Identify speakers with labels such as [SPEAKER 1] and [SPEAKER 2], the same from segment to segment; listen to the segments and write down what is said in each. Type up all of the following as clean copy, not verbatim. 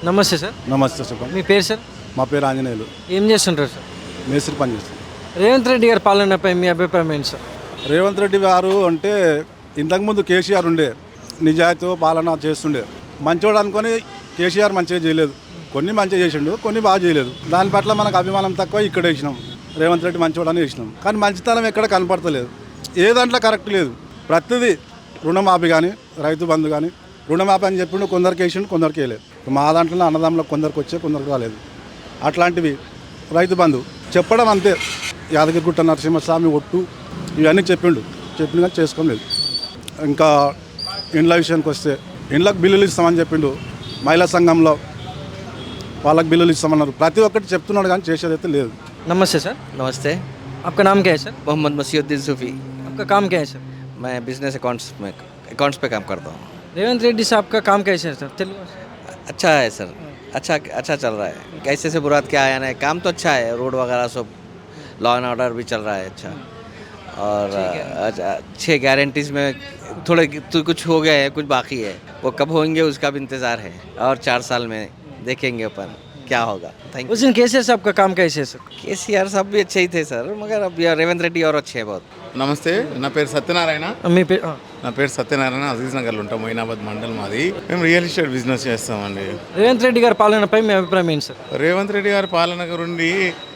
[SPEAKER 1] నమస్తే సార్.
[SPEAKER 2] నమస్తే చెప్పండి.
[SPEAKER 1] మీ పేరు సార్?
[SPEAKER 2] మా పేరు ఆంజనేయులు.
[SPEAKER 1] ఏం చేస్తుంటారు సార్?
[SPEAKER 2] మేస్త్రి పని చేస్తాం.
[SPEAKER 1] రేవంత్ రెడ్డి గారి పాలనపై మీ అభిప్రాయం ఏంటి సార్?
[SPEAKER 2] రేవంత్ రెడ్డి గారు అంటే ఇంతకుముందు కేసీఆర్ ఉండే నిజాయితీ పాలన చేస్తుండే మంచోడు అనుకొని కేసీఆర్ మంచిగా చేయలేదు. కొన్ని మంచిగా చేసిండు, కొన్ని బాగా చేయలేదు. దాని పట్ల మనకు అభిమానం తక్కువ ఇక్కడ వేసినాం. రేవంత్ రెడ్డి మంచోడు అని వేసినాం. కానీ మంచితనం ఎక్కడ కనపడతలేదు. ఏ దాంట్లో కరెక్ట్ లేదు. ప్రతిదీ రుణమాఫీ కానీ రైతు బంధు కానీ రుణమాఫీ అని చెప్పిండు, కొందరికి వేసిండు, కొందరికి వేయలేదు. మా దాంట్లో అన్నదమ్ములో కొందరికి వచ్చే కొందరికి రాలేదు. అట్లాంటివి రైతు బంధు చెప్పడం అంతే. యాదగిరిగుట్ట నరసింహస్వామి ఒట్టు ఇవన్నీ చెప్పిండు కానీ చేసుకోలేదు. ఇంకా ఇండ్ల విషయానికి వస్తే ఇండ్లకు బిల్లులు ఇస్తామని చెప్పిండు. మహిళా సంఘంలో వాళ్ళకి బిల్లులు ఇస్తామన్నారు. ప్రతి ఒక్కటి చెప్తున్నాడు కానీ చేసేదైతే లేదు.
[SPEAKER 1] नमस्ते सर.
[SPEAKER 3] नमस्ते.
[SPEAKER 1] आपका नाम क्या है सर?
[SPEAKER 3] मोहम्मद मसीहुद्दीन सूफ़ी.
[SPEAKER 1] आपका काम क्या है सर?
[SPEAKER 3] मैं बिजनेस अकाउंट्स पे काम करता हूँ.
[SPEAKER 1] रेवंत रेड्डी साहब का काम कैसे है सर? तेलुगु में?
[SPEAKER 3] अच्छा है सर. अच्छा चल रहा है. कैसे से बुरात क्या आया ना, काम तो अच्छा है. रोड वगैरह सब लॉ एंड ऑर्डर भी चल रहा है अच्छा. और अच्छे गारंटीज में थोड़े तो कुछ हो गया है, कुछ बाकी है. वो कब होंगे उसका भी इंतज़ार है. और 4 साल में देखेंगे अपन क्या होगा. थैंक
[SPEAKER 1] उस दिन केसीआर साहब का काम कैसे है सर?
[SPEAKER 3] केसीआर साहब भी अच्छे ही थे सर, मगर अब यार रेवंत रेड्डी और अच्छे हैं बहुत.
[SPEAKER 4] నమస్తే, నా పేరు సత్యనారాయణ.
[SPEAKER 1] మీ పేరు?
[SPEAKER 4] అజీజ్ నగర్లో ఉంటాం. మొయినాబాద్ మండల్ మాది. మేము రియల్ ఎస్టేట్ బిజినెస్ చేస్తామండి.
[SPEAKER 1] రేవంత్ రెడ్డి గారి పాలనపై మీ అభిప్రాయం ఏంటి సార్?
[SPEAKER 4] రేవంత్ రెడ్డి గారి పాలన గురించి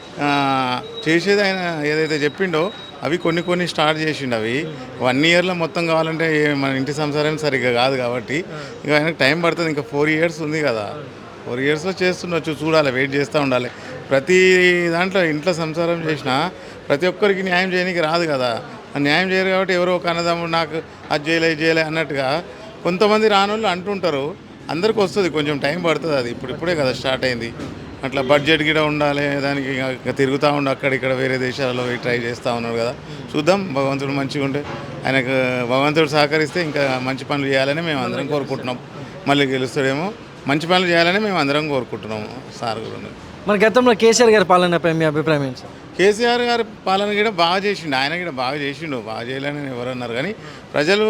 [SPEAKER 4] చేసేది ఆయన ఏదైతే చెప్పిండో అవి కొన్ని స్టార్ట్ చేసిండు. అవి 1 ఇయర్లో మొత్తం కావాలంటే మన ఇంటి సంసారం సరిగ్గా కాదు కాబట్టి ఇక ఆయనకు టైం పడుతుంది. ఇంకా 4 ఇయర్స్ ఉంది కదా. 4 ఇయర్స్లో చేస్తుండొచ్చు, చూడాలి, వెయిట్ చేస్తూ ఉండాలి. ప్రతి దాంట్లో ఇంట్లో సంసారం చేసినా ప్రతి ఒక్కరికి న్యాయం చేయడానికి రాదు కదా. న్యాయం చేయరు కాబట్టి ఎవరో ఒక అన్నదమ్ముడు నాకు అది చేయలే అన్నట్టుగా కొంతమంది రానోళ్ళు అంటుంటారు. అందరికి వస్తుంది, కొంచెం టైం పడుతుంది. అది ఇప్పుడే కదా స్టార్ట్ అయింది. అట్లా బడ్జెట్ కూడా ఉండాలి, దానికి ఇంకా తిరుగుతూ ఉండి అక్కడిక్కడ వేరే దేశాలలో ట్రై చేస్తూ ఉన్నారు కదా. చూద్దాం, భగవంతుడు మంచిగా ఉంటే ఆయనకు భగవంతుడు సహకరిస్తే ఇంకా మంచి పనులు చేయాలని మేము అందరం కోరుకుంటున్నాం. మళ్ళీ గెలుస్తాడేమో. మంచి పనులు చేయాలని మేము అందరం కోరుకుంటున్నాము సార్ గురించి.
[SPEAKER 1] మరి గతంలో కేసీఆర్ గారి పాలనపై మీ అభిప్రాయం ఏంటి సార్?
[SPEAKER 4] కేసీఆర్ గారి పాలన కూడా బాగా చేసిండు. ఆయన కూడా బాగా చేసిండు. బాగా చేయాలని ఎవరన్నారు కానీ ప్రజలు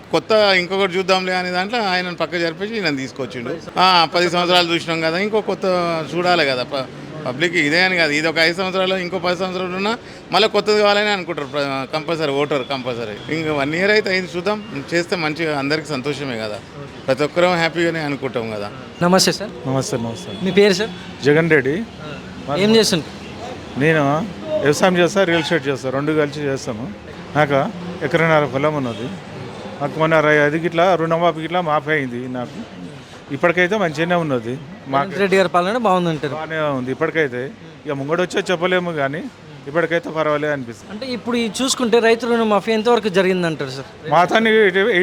[SPEAKER 4] ఇంకొకటి చూద్దాంలే అనే దాంట్లో ఆయనను పక్క జరిపేసి ఈయన తీసుకొచ్చిండు. 10 సంవత్సరాలు చూసినాం కదా, ఇంకో కొత్త చూడాలి కదా. పబ్లిక్ ఇదే అని కాదు, ఇది ఒక 5 సంవత్సరాలు ఇంకో 10 సంవత్సరాలు ఉన్నా మళ్ళీ కొత్తది కావాలని అనుకుంటారు కంపల్సరీ. Voter compulsory. ఇంకా 1 ఇయర్ అయితే అయింది, చూద్దాం. చేస్తే మంచిగా అందరికీ సంతోషమే కదా. ప్రతి ఒక్కరూ హ్యాపీగానే అనుకుంటాం కదా.
[SPEAKER 1] నమస్తే సార్.
[SPEAKER 2] నమస్తే.
[SPEAKER 1] మీ పేరు సార్?
[SPEAKER 2] జగన్ రెడ్డి.
[SPEAKER 1] ఏం చేస్తుంటారు?
[SPEAKER 2] నేను వ్యవసాయం చేస్తా, రియల్ ఎస్టేట్ చేస్తా, 2 కలిసి చేస్తాము. నాకు ఎకరన్నర పొలం ఉన్నది. నాకు మొన్న 5 గిట్లా రుణమాఫీ గిట్లా మాఫీ అయింది. నాకు ఇప్పటికైతే మంచిగానే ఉన్నది.
[SPEAKER 1] రేవంత్ రెడ్డి గారి పాలన బాగుందంటారు?
[SPEAKER 2] బాగానే ఉంది ఇప్పటికైతే. ఇక ముంగడు వచ్చే చెప్పలేము కానీ ఇప్పటికైతే పర్వాలేదు అనిపిస్తుంది.
[SPEAKER 1] అంటే ఇప్పుడు చూసుకుంటే రైతు రుణమాఫీ ఎంతవరకు జరిగిందంటారు సార్?
[SPEAKER 2] మా తాను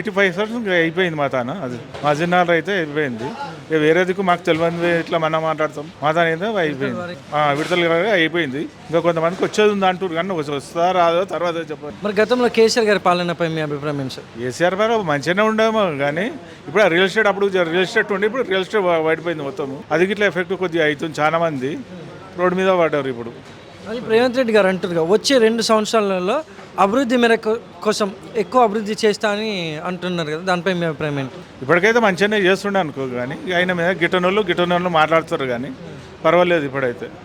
[SPEAKER 2] 85% అయిపోయింది. మా తాను అది మా జిన్నాలు అయితే అయిపోయింది. ఇక వేరే దిక్కు మాకు తెలియదు, ఇట్లా మనం మాట్లాడతాం. మా తాను అయితే అయిపోయింది, విడతలు అయిపోయింది. ఇంకా కొంతమందికి వచ్చేది ఉంది అంటారు కానీ వస్తుందా రాదో తర్వాత చెప్పాలి.
[SPEAKER 1] మరి గతంలో కేసీఆర్ గారి పాలనపై మీ అభిప్రాయం ఏంటి సార్?
[SPEAKER 2] కేసీఆర్ గారు మంచిగానే ఉండేమో కానీ ఇప్పుడు ఆ రియల్ ఎస్టేట్ అప్పుడు రియల్ ఎస్టేట్ ఉండి ఇప్పుడు రియల్ ఎస్టేట్ పడిపోయింది మొత్తం. అది గిట్లా ఎఫెక్ట్ కొద్దిగా అవుతుంది. చాలా మంది రోడ్డు మీద పడ్డారు. ఇప్పుడు
[SPEAKER 1] అది రేవంత్ రెడ్డి గారు అంటారు వచ్చే 2 సంవత్సరాలలో అభివృద్ధి మేరకు కోసం ఎక్కువ అభివృద్ధి చేస్తా అని అంటున్నారు కదా, దానిపై మీ అభిప్రాయం ఏంటి?
[SPEAKER 2] ఇప్పటికైతే మంచిగానే చేస్తుండే అనుకో కానీ ఆయన మీద గిట్టనోళ్ళు మాట్లాడుతారు కానీ పర్వాలేదు ఇప్పుడైతే.